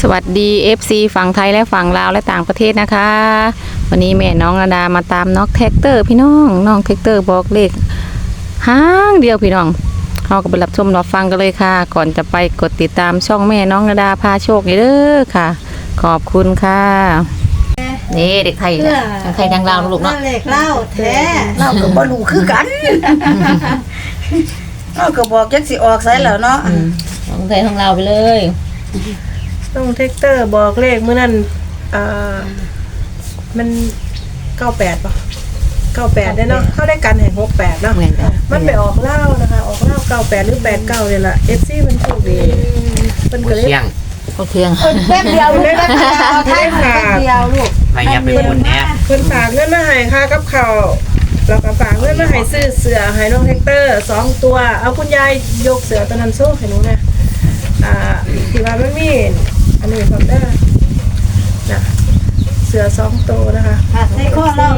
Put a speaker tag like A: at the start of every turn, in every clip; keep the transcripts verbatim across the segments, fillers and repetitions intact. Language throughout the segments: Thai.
A: สวัสดี เอฟ ซี ฝั่งไทยและฝั่งลาวและต่างประเทศนะคะวันนี้แม่น้องระดามาตามน้องแท็กเตอร์พี่น้องน้องแท็กเตอร์บอกเลขห้างเดียวพี่น้องเราก็ไปรับชมรับฟังกันเลยค่ะก่อนจะไปกดติดตามช่องแม่น้องระดาพาโชคเด้อค่ะขอบคุณค่ะนี่เด็กไทยทั้งไทยทั้งลาวลูกเนาะ
B: เล็กเล่าแท้เล่าก็บ่รู้คือกันเล่าก็บอกจักสิออกไสแล้วเนาะ
A: ทั้งไทยทั้งลาวไปเลย
C: น้องเทคเตอร์บอกเลขเมื่อนั้นอ่ามันเก้าแปดป่ะเก้าแปดได้เนาะเข้าได้กันแห่งหกแปดเนาะมันไปออกเล่านะคะออกเล่าเก้าแปดหรือแปดเก้าเนี่ยแหละเอฟซีมันโชคดีมันก็เลย
A: ก็เพียง
B: แป๊บเดียวลูกแป๊บเดียวไทยแป๊บเดียวลูก
D: ไม่ยับไปบุญแน่
C: เพิ่นฝากเงินมาให้ค่ากับข้าวแล้วก็ฝากเงินมาให้ซื้อเสื้อให้น้องเทคเตอร์สองตัวเอาคุณยายยกเสื้อตัวนั้นโซ่ให้หนูนะอ่าที่ว่ามันมีอันนี้ความได้นะเสือสองตัวนะคะ
B: ใส่ข้อเล่า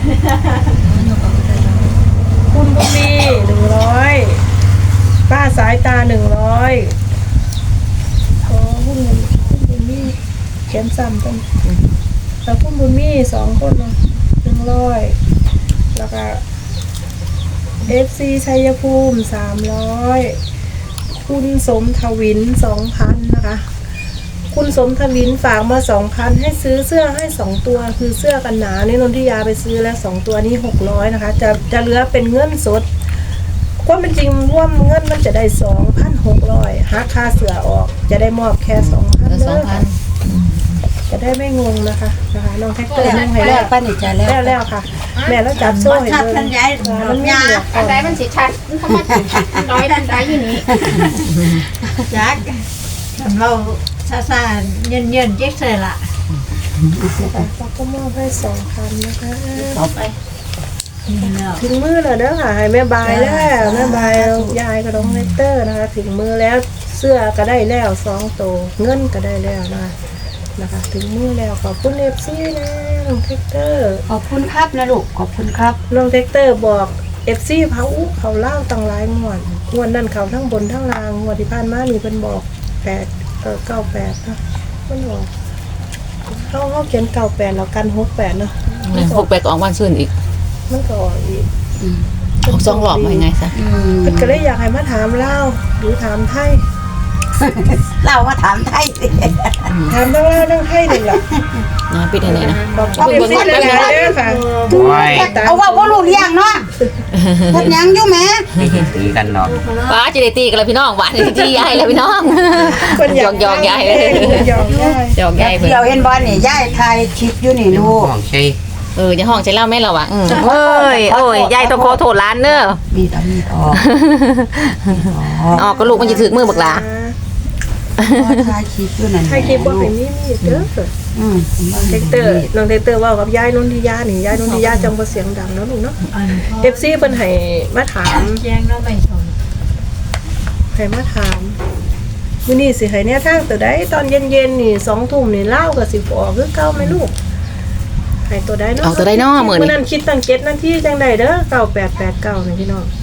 C: คุณบุมีหนึ่งร้อยป้าสายตาหนึ่งร้อยขอคุณคุณบุมีเขียนซ้ำกันแล้วคุณบุมีสองคนเนาะหนึ่งร้อยแล้วก็เอฟซีชัยภูมิสามร้อยคุณสมทวินสองพันนะคะคุณสมทวินฝากมาสองพันให้ซื้อเสื้อให้สองตัวคือเสื้อกันหนาวนี่นนทิยาไปซื้อแล้วสองตัวนี้หกร้อยนะคะจะจะเหลือเป็นเงินสดความเป็นจริงร่วมเงินมันจะได้สองพันหกร้อยหักค่าเสื้อออกจะได้มอบแค่สองพันเด้อจะได้ไม่งงนะคะนะคะน้องแท็กเตอร์นั่งให้แล้ว
B: ป้านี่จะแล้ว
C: แล้วแล้วค่ะแม่แล้วจับโซ่ให้เลย
B: มันย้ายมันยา
E: อันใดมันสิชัดมันเข้ามาร้อยอันใดอยู่นี่
B: ยักเราซาๆเย็นๆเจ๊กเลยล่ะ
C: เราก็มอบให้สองพันนะคะ
B: เอาไป
C: ถึงมือแล้วเด้อค่ะให้แม่บายแล้วแม่บายยายกับน้องเนเตอร์นะคะถึงมือแล้วเสื้อก็ได้แล้วสองตัวเงินก็ได้แล้วนะคะนะคะถึงมือแล้วขอบคุณเอฟซีนะน้องเทคเตอร์
B: ขอบคุณครับนะลูกขอบคุณครับ
C: น้องเทคเตอร์บอกเอฟซีเขาเขาเล่าตั้งหลายงวดงวดนั้นเขาทั้งบนทั้งล่างงวดที่ผ่านมานี่เพิ่นบอกแปดเออเก้าแปดนะเพิ่นบอกเขาเขาเขียนเก้าแปดแล้วกันหกแปดเนาะ
A: หกแปดออกวันซื่นอีก
C: มันก็ออกอีก
A: ออกสองหลอกมาไงซะ
C: เพิ่นก็เลยอยากให้มาถามเล่าหรือถามไทย
B: เรามาถามไทยสิ
C: ถามเล่าเล่าเรื่องไทยหนึ่งละ
A: นะปิดไหนนะ
C: บอกเรื่องไทยเลยค่ะ
B: เอาว่าว่าลูกเลี้ยงเนาะพัดยังอยู่แม่
D: ตีกันเนาะ
A: ป้าจะได้ตีกันแล้วพี่น้องหวานตียายแล้วพี่น้องหยอกหยอกยายเลย
C: หยอกยาย
A: หยอกยาย
B: เดี๋ยวเห็นบอลนี่ยายไทยคลิปอยู่นี่ลูก
D: ใช่
A: เออจะห้องใช้เล่าแม่เราอ่ะเอ้ยโอ้ยยายต้องขอโทษร้านเนอะ
B: มีตามีออก
A: ออกก็ลูกมันจะถือมือบักหลา
B: ถ่ายคลิปอยู่นั่น
C: ถ่ายคลิปว่าเป็นนี่มีเด้ออืมเทคเตอร์น้องเทคเตอร์ว่ากับยายนนทิยานี่ยายนนทิยาจังบ่เสียงดังแล้วลูกเนาะ เอฟ ซี เพิ่นให้มาถาม
E: แจ้งเราไม่ชน
C: ให้มาถามมื้อนี้สิให้แนวทางตัวใดตอนเย็นๆนี่สองทุ่มนี่เล่าก็สิออกคือเก่ามั้ยลูกให้ตัวใดเนาะ
A: ออกตัวใดเนาะมื้อนี้
C: มื้อนั้นคิดตั้งเจ็ดนาทีจังได๋เด้อเก้าแปดแปดเก้านี่พี่น้อง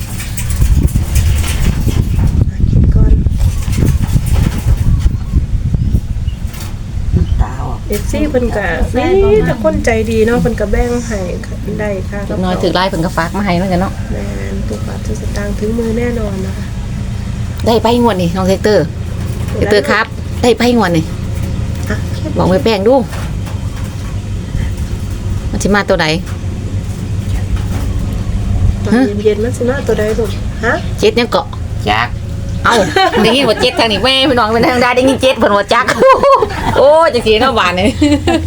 C: เอฟซีเพิ่นก็นี่แต่คนใจดีเนาะเพิ่นก็แบ่งให้ได้ค่ะ
A: น้อยถือไล่เพิ่นก็ฝากมาให้เหมือนกันเนาะ
C: แม่นทุกบาททุกสตางค์ถึงมือแน่นอนนะคะ
A: ได้ไปงวดนี่น้องเทคเตอร์เทคเตอร์ครับได้ไปงวดนี่บอกแม่แป้งดูมันสิมาตัวใด
C: ตอนเย็นๆมันสิมาตัวใดลูกฮะ
A: เจ็ดยังเกาะ
D: จัก
A: เอ้าได้ยินว่าเจ็ดทางนี้แม่พี่น้องเป็นทางใดได้ยินเจ็ดเพิ่นว่าจักโอ้จังซี่เนาะบ้านนี่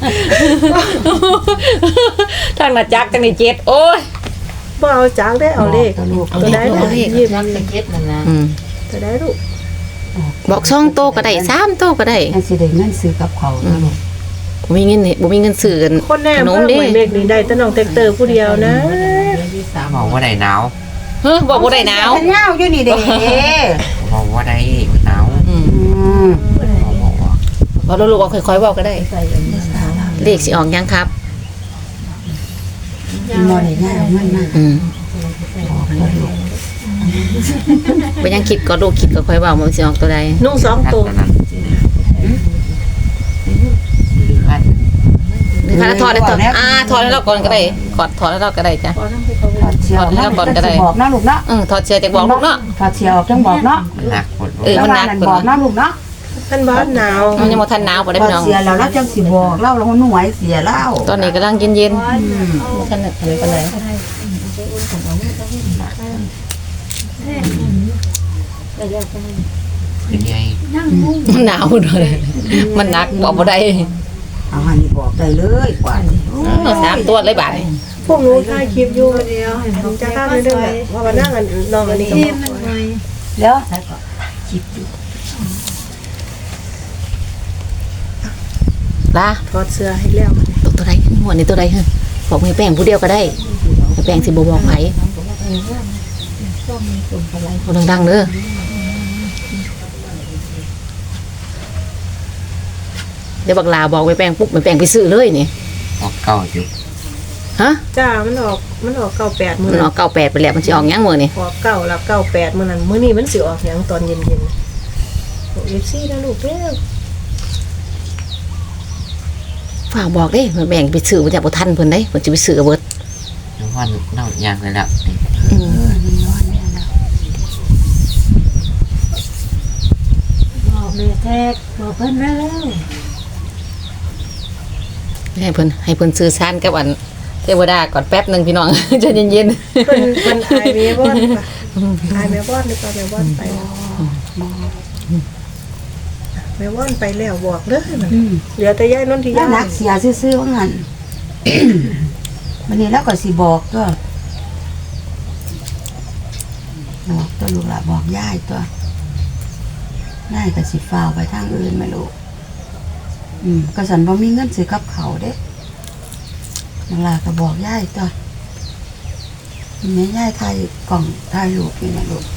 A: ทางน่ะจักทางนี้เจ็ดโอ้ย
C: บ่เอาจักได้เอาเลขตัวใด
A: เอาเลข
C: ยิบ
E: เจ็ดนั่นนะ
A: อืม
C: ตัวใดลูก
A: บอกสองโตก็ได้สามโตก็ได้
B: อันสิได้เงินซื้อกับเขานะลูก
A: บ่มีเงินนี่บ่มีเงินซื้อกัน
C: คนแน่เพิ่นเหมือนเลขนี่ได้แต่น้องเทคเตอร์ผู้เดียวนะ
D: บอกว่าได้หนาว
A: เฮ้อบอกว่าได้หนาว
B: หนาวอยู่นี่เด้
D: บอกว่าได้หนาว
A: อืมพอลูกๆค่อยๆบอกก็ได้เลขสิออกยังครับ
B: บ่ได้ง่ายเอามันมา
A: อืมบ่ยังคิดก็ลูกคิดก็ค่อยเว้ามันสิออกตัวใด
C: นุ่งสองตัว
A: ค่ะถอดได้ถอดอ่าถอดให้เราก่อนก็ได้กอดถอดให้เราก็ได้จ้ะ
B: ถอดเชียว
A: ถอดให้เราก่อนก็ได้
B: บอกนะลูกเนาะ
A: เออถอดเสื้อจากบอกลูกเนาะ
B: ถอดเชียวจังบอกเนาะ
D: มันหนักปวด
A: เออ มันหนัก
B: แล้วว่าบอกนะลูกเนาะ
C: ท่านบ้านหนาว
A: มันยังบ่ทันหนาวบ่ได้
B: ถอ
A: พี่
B: ด
A: น้อง
B: เชียวแล้วแล้วจังสิบอกเล่าแล้วหน่วยเสียเล่า
A: ตอนนี้กำลังเย็นๆบ่ทันได้ปานใด
D: เป็นไง
A: มันหนาวเลยมันหนักบอกบ่ได้
B: เอาหันนี่บอกได้เลยกว่านี่
A: เออสามตัวเลยบาดนี้
C: พวกหนูถ่ายคลิปอยู่เดียวผมจะข้ามเรื่องแบบว่ามานั่งกันนอนอันนี้ก็บอกว่า
B: แล้วคิดอยู่
A: ลา
C: ถอดเสื้อให้แล้ว
A: ตัวตัวใดหัวนี่ตัวใดฮะบอกให้แป้งผู้เดียวก็ได้ให้แป้งสิบ่บอกไผคนดังๆเด้อเดี๋ยวบักลาบอกไปแป้งปุ๊บไปแป้งไปซื้อเลยนี่
D: ออกเก้าอยู่
A: ฮะ
C: จ้ามันออกมันออกเก้าแปดมื
A: มั
C: อน
A: ออกเก้าแปดไปแล้วมันสิออกหยังมื้อนี่
C: ออกเก้าแล้วเก้าแปดมือนั้นมื้อนี้มันสิออกหยังตอนเย็นเย็นโอ้ยซี่นะลูกเด้อ
A: ฝากบอกเด้แบ่งไปซื้อบ่จักบ่ทันเพิ่นเด้เพิ่นสิไปซื้อเอาเบิด
D: น้ำวันเน่ายางเลยแล้ว
A: อืม
B: บอกแม่แท็กบอกเพิ่นแล้ว
A: ให้เพิ่นให้เพิ่นซื้อซานกับอันเทวดาก่อนแป๊บหนึงพี่น้อง ใจเย็น
C: เพิ่นเพิ่นอายเมบอนค่ะอายเมบอนหรือเปล่าเมบอนไปแล้วเมบอนไปแล้วบอกเด้อมันเหลือแต่ย่ายนนทิ
B: แล้ว
C: ยา
B: นักเสียซื่อๆว่างั้น วันนี้แล้วก็สิบอกก็บอกตัวลูกละบอกย่ายตัวย่ายก็สิฟ้าวไปทางอื่นไม่รู้อืมก็สันบ่มีเงินซื้อกับเขาวเด้นั่นล่ะก็บอกย่ายตัวแม่ย่ายถ่ายกล่องถ่ายรูปนี่นะลูก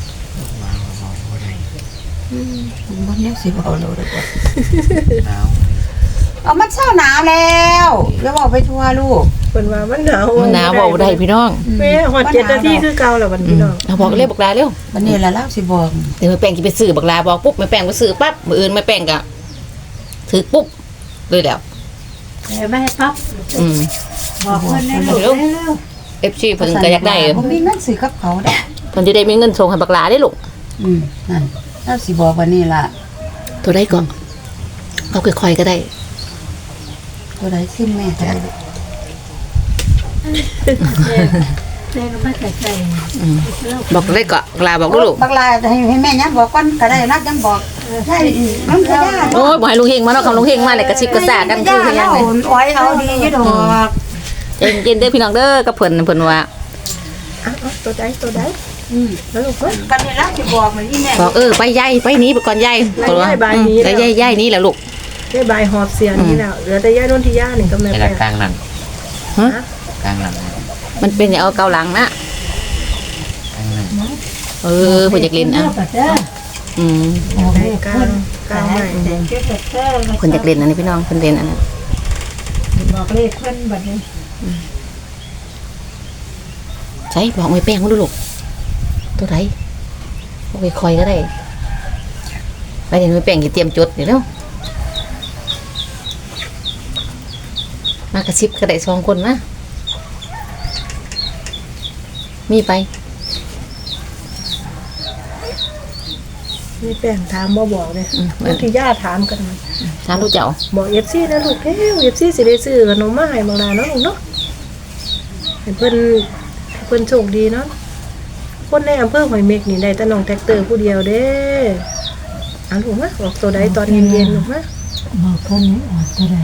B: อืมบ่เนี้ยสิบ่เอาเราเด้อ
D: หนาว
B: เอามันเช้าหนาวแล้วอย่าบอกไปทั่วลูก
C: เพิ่นว่ามันหนาว
A: ๆมันหนาวบอกบ่ได้พี่น้อง
C: แม่ฮอดเจ็ดนาทีคือเก่าแล้วบัดพี่น้อง
A: เอาบอกเลยบักลาเร็ว
B: วันนี้ละเล่าสิบอก
A: เดี๋ยวแม่แป้งสิไปซื้อบักลาบอกปุ๊บแม่แป้งไปซื้อปั๊บมื้ออื่นแม่แป้งก็ถือปุ๊บเลยแล้ว
B: ไม่ให้ปั๊บ
A: อืม
B: บอกเพิ่นแน่ลูก
A: เร็ว
B: เร็ว
A: เอฟ ซี เพิ่นก็อยากได้
B: บ่มีเงินซื้อกับเขาได้
A: เพิ่นจะได้มีเงินส่งให้บักลาได้ลูก
B: อืมนั่นเล่าสิบอกวันนี้ล่ะ
A: ตัวใดก่อนเอาค่อยๆก็ได้
B: ตัวใดซิมแม่ก็ได้ลูก
A: อืมบอกเลยก็บักลาบอกลูก
B: บักลาให้ให้แม่ยังบอกก่อนก็ได้นักยังบอกใช่น้ำกระยา
A: โอ้ยบ่ให้ลุงเฮงมาเนาะคำลุงเฮงมาเลยกระซิบกระซากันคือคือหยัง
B: เล
A: เลย ย
B: อ้อยเอาดีอยู่ดอก
A: ใจเย็นๆเด้อพี่น้องเด้อกับเพิ่นเพิ่นว่า
C: อ่ะเอาตัวใดตัวใด
B: อืม
C: แล้วลูกเอ้ย
B: กันนี่ล่ะสิบอกมันอีแม่
A: บอกเออไปยายไปหนี้ไปก่อนยาย
C: ไปย้ายบายหนี
A: ไป
C: แล้ว
A: ยายยายหนี้แหละลูก
C: ได้บายหอบเสียนี่แล้วเหลือแต่ย่ายนนทิยานี่ก็แม่
D: ไอ้
C: แป้
D: ละ
C: ง
D: กลางหลัง
A: ฮะ
D: กลางหลัง
A: มันเป็นอย่างเอาเกาหลังนะ
D: กลางหลัง
A: เออเพิ่นอยากเล่นอ่ะอืม
C: ได้กลางกลางใหม่
A: เพิ่นอยากเล่นอันนี้พี่น้องเพิ่นเล่นอันนั้น
B: บอกเลขเพิ่นบัดนี้
A: ใช่บอกไม่แป้งมาดูลูกตัวไหนบอกไปคอยก็ได้ไปเดี๋ยวไม่แป้งจะเตรียมจดเดี๋ยวเร็วมากระซิบก็ได้สองคนนะมีไป
C: นี่แป้งถามบ่บอกเลย
A: อืม
C: นนทิยาถามกันมา
A: ถามลูกเจ้า
C: บอกเอฟซีนะลูกเอ้ยเอฟซีสิได้ซื้อขนมมาให้บางนาเนาะลูกเนาะให้เพิ่นให้เพิ่นโชคดีเนาะคนในอำเภอหอยเม็กนี่ได้แต่น้องแท็กเตอร์ผู้เดียวเด้อ่ะลูกมาบอกตัวใดตอนเย็นๆลูกมา
B: บอกเพิ่นนี่ออกตัวใด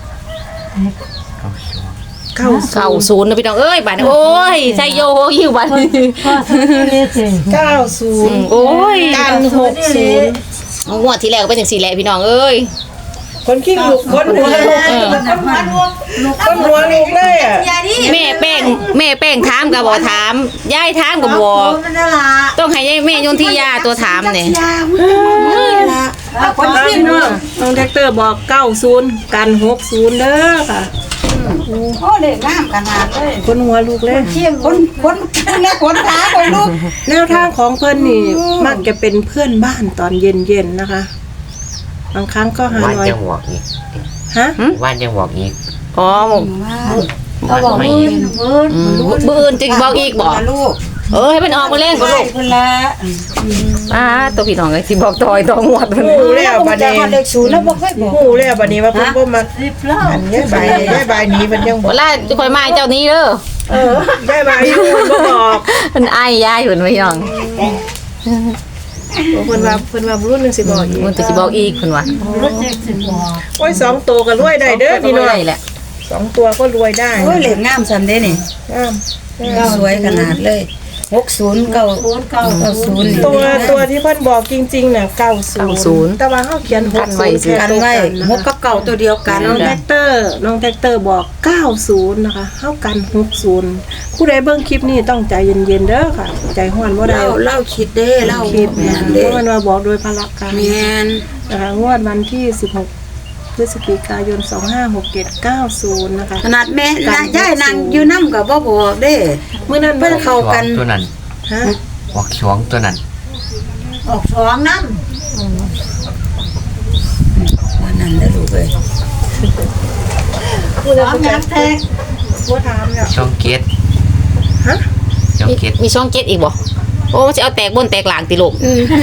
D: เข้าชัว
C: เก้า
A: เก้าศูนย์นะพี่น้องเอ้ยบ้านนี้โอ้ยใจโยหิวบ้านนี้
B: ก็ซื้อเลยสิ
C: เก้าศูนย์
A: โอ้ย
C: กันหกศูนย์
A: งวดที่แล้วก็เป็นอย่างสี่แหละพี่น้องเอ้ย
C: คนขี้ลูกคนหัวลูก
A: เออ
C: คนหัวลูกเลยอ่ะ
A: แม่แป้งแม่แป้งถามกับบอกถามยายถามกับบอก
B: มันน่ะล่ะ
A: ต้องให้ยายแม่ยนทิยาตัวถามเนี่ย
B: ยามันน่ะล่ะคน
C: น้
B: สิ้นเนาะ
C: องแท็กเตอร์บอกเก้าศูนย์กันหกศูนย์เด้อค่ะ
B: โอ้เด็กงามขนาดเลย
C: คนหัวลูกเลย
B: เที่ยงคนคนและคนขาคนลูก
C: แนวทางของเพื่อนนี่มักจะเป็นเพื่อนบ้านตอนเย็นๆนะคะ บางครั้งก็หา
D: ว่าน
C: น้อย
D: ยังบอกอีก
C: ฮะ
D: ว่านยังบอกอีก
A: อ๋อ
B: ว่าเขาบอกมือ
A: อืมมื้ออื่นจึงบอกอีกบ่
B: ลูก
A: เออให้มันออกมาเล่นบ่
B: ใช่
A: ลูก
B: เพิ่นละ
A: อ่าตัวพี่น้องก็สิบอกต่อยต่องวดเพิ่น
C: หูแล้วบัด
B: จะ
C: นี้
B: ฮอดเลขศูนย์แล้วบ่เคยบอก
C: หูแล้วบัดนี้ว่าเพิ่นบ่มักอันยายใบยายใบนี้เพิ่นยังบ
A: เว
C: อก
A: ลาจะคอยมาเจ้านี้เด้อ
C: เออยายใบอยู่เพิ่นบ่บอก
A: เพิ่นอ้ายยายเพิ่นไว้ย่อง
C: เพิ่นว่าเพิ่นว่ารุ่นหนึงสิบอกอีก
A: มันก็สิบอกอีกเพิ่นว่า
C: โอ้ยสองตัวก็รวยได้เด้อพี่น้อง
A: ได้แหละ
C: สองตัวก็รวยได้
B: โอ้ยเลขงามซ้ํเด้นี่
C: งาม
B: สวยขนาดเลยหกศูนย์เก้าเก้าศูนย์
C: ตัวตัวที่เพิ่นบอกจริงๆน่ะเก้าศูนย์แต่ว่าเฮาเขียนหกศูนย์แค่
B: กัน
C: ตัว
B: ไว้
C: กันนะ
B: หกกับเก่าตัวเดียวกัน
C: น้องแท็กเตอร์น้องแท็กเตอร์บอกเก้าศูนย์นะคะเฮากันหกศูนย์ผู้ใดเบิ่งคลิปนี้ต้องใจเย็นๆเด้อค่ะ ใจฮ้อนบ่ได้
B: เล่าเล่าคิดเด้เล่า
C: คลิป
B: แม่
C: นะ
B: น
C: เพ
B: เด้
C: ราะมันว่าบอกโดยพละการ
B: แม่น
C: นะคะงวดวันที่สิบหกพฤศจิกายนสองห้าหกเจ็ดเก้าศูนย์นะคะ
B: ขนาดแม่นางย่ายนางอยู่นำก็บ่บอกเด้
C: มื้อนั้น
B: เพิ่นเข้ากัน
D: ตัวนั้น
C: ฮะ
D: บอกชวงตัวนั้น
B: ออกสองนำวันนั้นเด้อลูกเอ้ย
C: ผู้ใดบ่จักแท้บ่ถามแล้ว
D: ช่องเกต
C: ฮะ
D: ช่อง
A: มี
D: เกต
A: มีช่องเจ็ดอีกบ่โอ้มันสิเอาแตกบนแตกหลังติลูก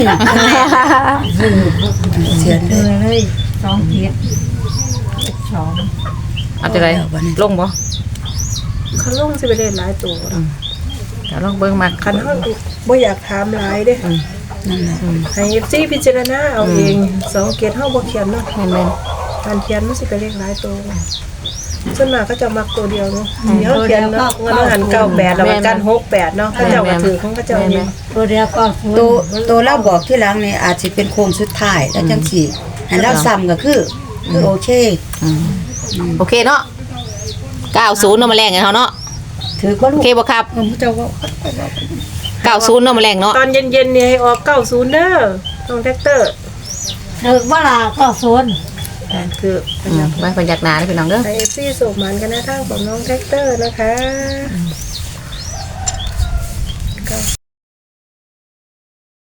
B: เสียนเด้อ
A: เอาจังไดลงบ่
C: เขาลงสิไปเล่นหลายตัวนะ
A: เดี๋ยวลองเบิ่งมา
C: คันเฮาบ่อยากถามหลายเด้
B: นั่นแหละ
C: ให้ เอฟ ซี พิจารณาเอาเองสองเกตเฮาบ่เขียนเนาะ
A: แม่น
C: การเขียนมันสิไปเลขหลายตัวส่วนมากก็จะมักตัวเดียวเนาะเดี๋ยวเขียนเนาะเงินหันเก้าแปดแล้วมันกันหกแปดเนาะเขาเจ้าก็ถือของเขาเจ้าเอง
B: ตัวตัวตัวเราบอกที่หลังนี่อาจสิเป็นโค้งสุดท้ายแล้วจังสิให้เราซ้ำก็คือคือโอเค
A: ๆอืมโอเคเนาะเก้าศูนย์เนาะมาแรงกันเฮาเนาะ
B: ถือบ่
A: โอ
B: ลูก
A: เคบ่ครับ
B: ผมเจ้าว่า
A: เก้าศูนย์เนาะมาแรงเนาะ
C: ตอนเย็นๆเนี่ยให้ออกเก้าศูนย์เด้อน้องแท็กเตอร์
E: ถึกว่าล่ะก็ศูนย์
C: คือ
A: อืมไว้พยักหน้าเด้อพี่น้องเด้อ
C: ไอเอฟซีส่งมันกันนะทางของน้องแท็กเตอร์นะคะ